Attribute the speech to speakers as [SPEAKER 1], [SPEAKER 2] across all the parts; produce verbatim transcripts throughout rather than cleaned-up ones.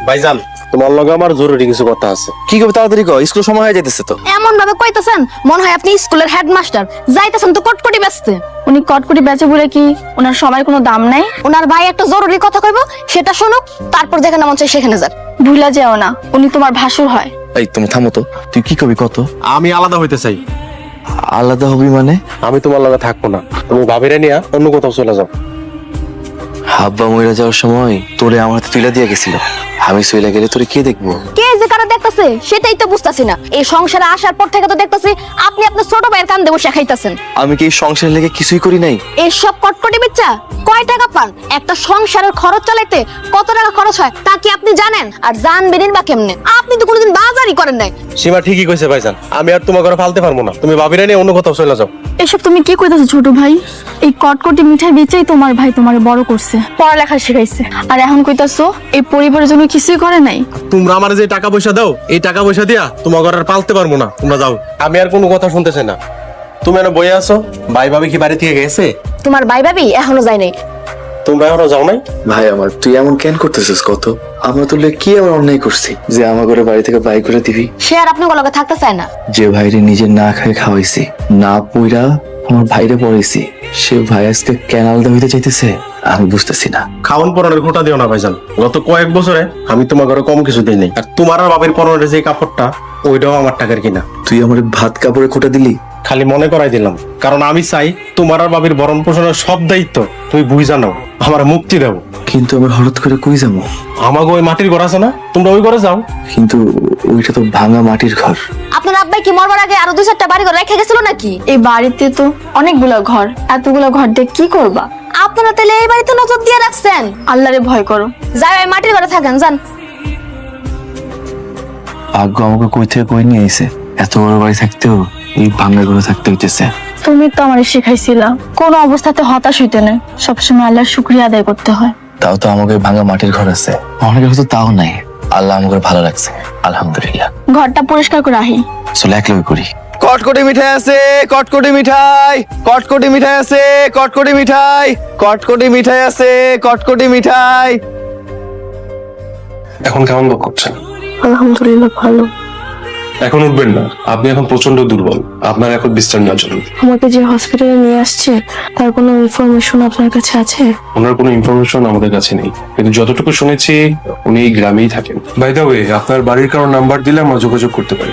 [SPEAKER 1] ভাইজান তোমার লগে আমার জরুরি কিছু কথা আছে।
[SPEAKER 2] কি করবে তাড়াতাড়ি কও, স্কুল সময় হয়ে যাইতেছে তো।
[SPEAKER 3] এমন ভাবে কইতাছেন মনে হয় আপনি স্কুলের হেডমাস্টার। যাইতাছেন তো কটকটি বেচতে।
[SPEAKER 4] উনি কটকটি বেচে বলে কি ওনার সময়ের কোনো দাম নাই?
[SPEAKER 3] ওনার ভাই একটা জরুরি কথা কইবো, সেটা শুনুক, তারপর যেখানে মন চাই সেখানে যান।
[SPEAKER 4] ভুলা যেও না, উনি তোমার ভাসুর হয়।
[SPEAKER 2] এই তুমি থামো তো, তুই কি কবি কত?
[SPEAKER 1] আমি আলাদা হইতে চাই।
[SPEAKER 2] আলাদা হবি মানে?
[SPEAKER 1] আমি তোমার লগে থাকবো না, তুমি ভাবিরে নিয়া অন্য কোথাও চলে যাও।
[SPEAKER 2] হাব্বা মইরা যাওয়ার সময় তোরে আমার হাতে তুইলা দিয়ে গেছিল, আমি চইলা গেলে তোরে কে দেখবো?
[SPEAKER 3] কে যে কারা দেখতাছে সেটাই তো বুঝতাছি না। এই সংসারে আসার পর থেকে তো দেখতাছি আপনি আপনার ছোট ভাইয়ের কান দেবো শেখাইতাছেন।
[SPEAKER 2] আমি কি এই সংসারের লেগে কিছুই করি নাই?
[SPEAKER 3] এই সব কটকটি বেচা কয় টাকা পান? একটা সংসারের খরচ চালাইতে কত টাকা খরচ হয় তা কি আপনি জানেন? আর জানবেনই বা কেমনে? আপনি তো কোনোদিন বাজারই করেন নাই।
[SPEAKER 1] সীমা ঠিকই কইছে ভাইজান, আমি আর তোমার ঘরে ফালতে পারবো না, তুমি ভাবিরে নিয়ে অন্য কোথাও চলে যাও।
[SPEAKER 4] এসব তুমি কি কইতাছো ছোট ভাই? এই কটকটি মিঠাই বেচেই তোমার ভাই তোমারে বড় করছে, পড়ালেখা শিখাইছে, আর এখন কইতাছো এই পরিবারের জন্য কিছুই করে নাই?
[SPEAKER 1] তোমরা আমার যে টাকা পয়সা দাও, এই টাকা পয়সা দিয়া তোমার ঘরে আর পালতে পারবো না, তোমরা যাও। আমি আর কোনো কথা শুনতে চাই না। তুমি এনে বইয়ে আছো, ভাই ভাবি কি বাড়ি থেকে গেছে?
[SPEAKER 3] তোমার ভাই ভাবি এখনো যায় নাই।
[SPEAKER 1] তোমরা এখনো যাও নাই?
[SPEAKER 2] ভাই আমার, তুই এমন কেন করতেছিস? কত আমরা তোলে কি এমন অন্যায় করছি যে আমার ঘরে বাড়ি থেকে বাই করে দিবি?
[SPEAKER 3] সে আর আপনার লগে থাকতে চায় না।
[SPEAKER 2] যে ভাইরে নিজে না খাই খাওয়াইছি, না পইরা আমার ভাইরে পড়াইছি, সে ভাই আজকে কেন আলাদা হইতে চাইতেছে আমি বুঝতেছি না।
[SPEAKER 1] খাওয়ান পরনের খোটা দিও না ভাইজান, গত কয়েক বছরে আমি তোমার ঘরে কম কিছু দিই নাই। আর তোমার আর বাবার পরনের যে কাপড়টা, ওইটাও আমার টাকার কিনা।
[SPEAKER 2] তুই আমার ভাত কাপড়ে খোটা দিলি?
[SPEAKER 1] খালি মনে করাই দিলাম, কারণ আমি চাই তোমার আর বাবির ভরণ পোষণের সব দায়িত্ব তুমি বুঝা নাও, আমার মুক্তি দাও।
[SPEAKER 2] কিন্তু আমি হঠাৎ করে কই যাবো?
[SPEAKER 1] আমাকে ওই মাটির ঘর আছে না, তোমরা ওই ঘরে যাও।
[SPEAKER 2] কিন্তু ওইটা তো ভাঙা মাটির ঘর।
[SPEAKER 3] আপনার আব্বাই কি মরবার আগে আরো দুই চারটা বাড়ি ঘর রেখে গেছিল নাকি?
[SPEAKER 4] এই বাড়িতে তো অনেকগুলো ঘর, এতগুলো ঘর দিয়ে কি করবা?
[SPEAKER 3] আপনারা তাহলে এই বাড়িতে নজর দিয়ে রাখছেন।
[SPEAKER 4] আল্লাহরে ভয় করো।
[SPEAKER 3] যাই ওই মাটির ঘরে থাকেন, যান।
[SPEAKER 2] ভাগ্য আমাকে কই থেকে কই নিয়ে আইছে, এত বড় বাড়ি থাকতেও এই ভাঙা ঘরে থাকতে হইতেছে।
[SPEAKER 4] তুমি তো আমারে শিখাইছিলা কোন অবস্থাতে হতাশ হইতে নেই, সবসময় আল্লাহর শুকরিয়া আদায় করতে হয়।
[SPEAKER 2] তাও তো আমাকে ভাঙা মাটির ঘর আছে, অনেকের হয়তো তাও নাই। আল্লাহ আমাকে ভালো রাখছে, আলহামদুলিল্লাহ।
[SPEAKER 4] ঘরটা পরিষ্কার করে আহি।
[SPEAKER 2] চলে এক লগে করি। কটকটি মিঠাই আছে, কটকটি মিঠাই, কটকটি মিঠাই আছে, কটকটি মিঠাই, কটকটি মিঠাই আছে, কটকটি মিঠাই।
[SPEAKER 5] এখন কেমন বোধ করছেন?
[SPEAKER 4] আলহামদুলিল্লাহ ভালো।
[SPEAKER 5] এখন উঠবেন না, আপনি এখন প্রচন্ড দুর্বল, আপনার এখন বিশ্রাম নেওয়া জরুরি।
[SPEAKER 4] আমাকে যে হসপিটালে নিয়ে আসছে তার কোনো ইনফরমেশন আপনার কাছে আছে?
[SPEAKER 5] ওনার কোনো ইনফরমেশন আমাদের কাছে নেই, কিন্তু যতটুকু শুনেছি উনি এই গ্রামেই থাকেন। বাই দ্য ওয়ে, আপনার বাড়ির কারো নাম্বার দিলে আমরা যোগাযোগ করতে পারি।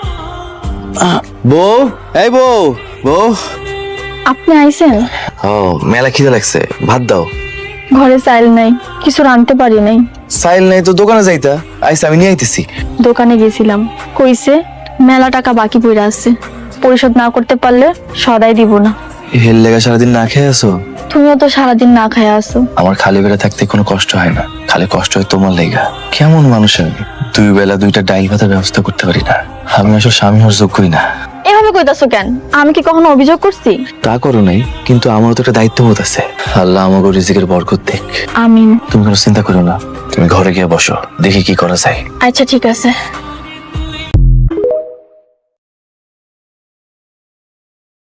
[SPEAKER 2] বউ, এই বউ, বউ।
[SPEAKER 4] আপনি আইছেন?
[SPEAKER 2] ও, মেলা খিদে লাগছে, ভাত দাও।
[SPEAKER 4] ঘরে চাইল নাই, কিছু রাঁধতে পারি নাই।
[SPEAKER 2] সাইল নাই তো দোকানে যাইতা, আইসা আমি নিয়ে আইতেছি।
[SPEAKER 4] দোকানে গেছিলাম, কইছে মেলা টাকা বাকি পড়ে আছে, পরিশোধ না করতে পারলে সদাই দিব না।
[SPEAKER 2] হেল লেগা সারাদিন না খেয়ে আসো?
[SPEAKER 4] তুমিও তো সারাদিন না খায় আসো।
[SPEAKER 2] আমার খালি বেলা থাকতে কোনো কষ্ট হয় না, খালি কষ্ট হয় তোমার লেগা। কেমন মানুষ আমি, দুই বেলা দুইটা ডাইল ভাতের ব্যবস্থা করতে পারি না। আমি আসলে স্বামী হওয়ার যোগ্যই না।
[SPEAKER 4] এভাবে কইতাছো কেন? আমি কি কখনো অভিযোগ করছি?
[SPEAKER 2] তা করো নাই, কিন্তু আমারও তো একটা দায়িত্ববোধ আছে। আল্লাহ আমাকে রিজিকের বরকত দেখ।
[SPEAKER 4] আমিন।
[SPEAKER 2] তুমি কোনো চিন্তা করো না, তুমি ঘরে গিয়ে বসো, দেখি কি করা যায়।
[SPEAKER 4] আচ্ছা ঠিক আছে।